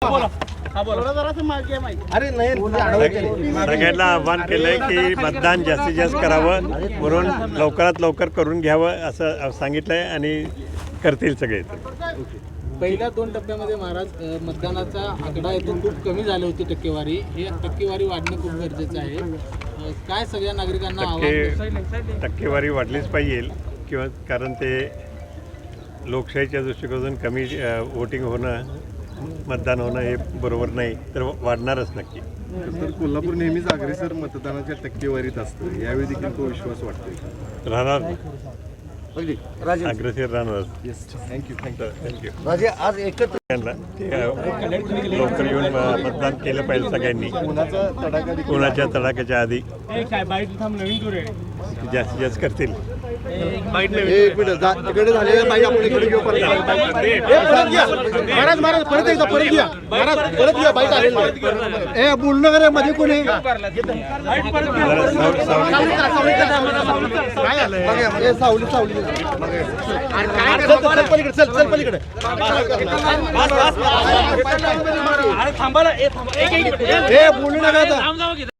अरे नाही सगळ्यांना आव्हान केलंय की मतदान जास्तीत जास्त करावं म्हणून लवकरात लवकर करून घ्यावं असं सांगितलंय आणि करतील सगळे. पहिल्या 2 टप्प्यामध्ये महाराज मतदानाचा आकडा येतो खूप कमी झाली होती टक्केवारी. ही टक्केवारी वाढणं खूप गरजेचं आहे. काय सगळ्या नागरिकांना आव्हान? टक्केवारी वाढलीच पाहिजे किंवा कारण ते लोकशाहीच्या दृष्टिकोनातून कमी वोटिंग होणं मतदान होणं हे बरोबर नाही तर वाढणारच नक्की. तर कोल्हापूर नेहमीच अग्रेसर मतदानाच्या टक्केवारीत असतं, यावेळी देखील तो विश्वास वाटतोय. राहणार अग्रेसर राहणार. थँक्यू. आज एकत्र लवकर येऊन मतदान केलं पाहिजे सगळ्यांनी. कोणाच्या तडाख्याच्या आधी जास्तीत जास्त करतील. तिकडे झालेलं बाईट आपण इकडे घेऊ. महाराज महाराज परत एकदा परत घ्या. महाराज परत घ्या. बाईट आलेलं बोलणं मध्ये कोणी सावली सावली चल पलीकडे चल पलीकडे बोलू नका.